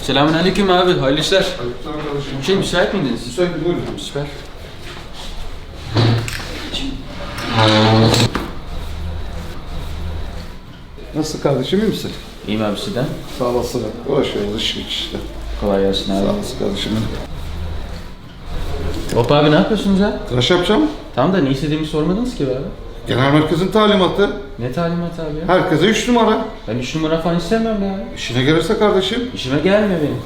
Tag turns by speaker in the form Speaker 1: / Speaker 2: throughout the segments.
Speaker 1: Selamünaleyküm abi, hayırlı işler.
Speaker 2: Aleykümselam kardeşim.
Speaker 1: Müsait miydiniz?
Speaker 2: Müsait, buyurun.
Speaker 1: Süper.
Speaker 2: Nasıl kardeşim, iyi misin?
Speaker 1: İyiyim abi sizden.
Speaker 2: Sağ olasın. Uğraşıyoruz, iş güç işte.
Speaker 1: Kolay gelsin abi.
Speaker 2: Sağ olasın kardeşim.
Speaker 1: Hop abi ne yapıyorsunuz ya?
Speaker 2: Tıraş yapacağım.
Speaker 1: Tamam da ne istediğimi sormadınız ki be abi.
Speaker 2: Genel merkezin talimatı.
Speaker 1: Ne talimat abi ya?
Speaker 2: Herkese 3 numara.
Speaker 1: Ben 3 numara falan istemiyorum ya.
Speaker 2: İşine gelirse kardeşim.
Speaker 1: İşime gelmiyor benim.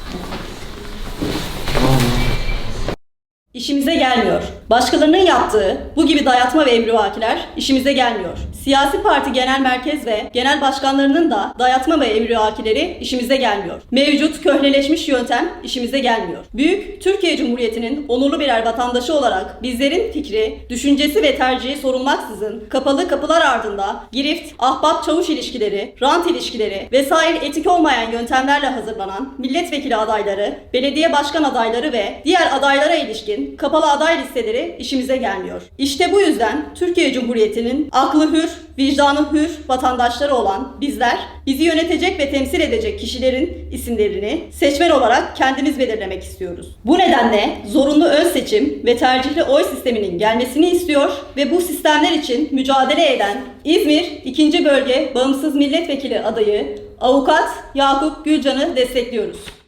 Speaker 3: İşimize gelmiyor. Başkalarının yaptığı bu gibi dayatma ve emrivakiler işimize gelmiyor. Siyasi parti genel merkez ve genel başkanlarının da dayatma ve emrivakileri işimize gelmiyor. Mevcut köhneleşmiş yöntem işimize gelmiyor. Büyük Türkiye Cumhuriyeti'nin onurlu birer vatandaşı olarak bizlerin fikri, düşüncesi ve tercihi sorulmaksızın kapalı kapılar ardında girift, ahbap çavuş ilişkileri, rant ilişkileri vesaire etik olmayan yöntemlerle hazırlanan milletvekili adayları, belediye başkan adayları ve diğer adaylara ilişkin kapalı aday listeleri işimize gelmiyor. İşte bu yüzden Türkiye Cumhuriyeti'nin aklı hür, vicdanı hür vatandaşları olan bizler, bizi yönetecek ve temsil edecek kişilerin isimlerini seçmen olarak kendimiz belirlemek istiyoruz. Bu nedenle zorunlu ön seçim ve tercihli oy sisteminin gelmesini istiyor ve bu sistemler için mücadele eden İzmir 2. Bölge Bağımsız Milletvekili adayı Avukat Yakup Gülcan'ı destekliyoruz.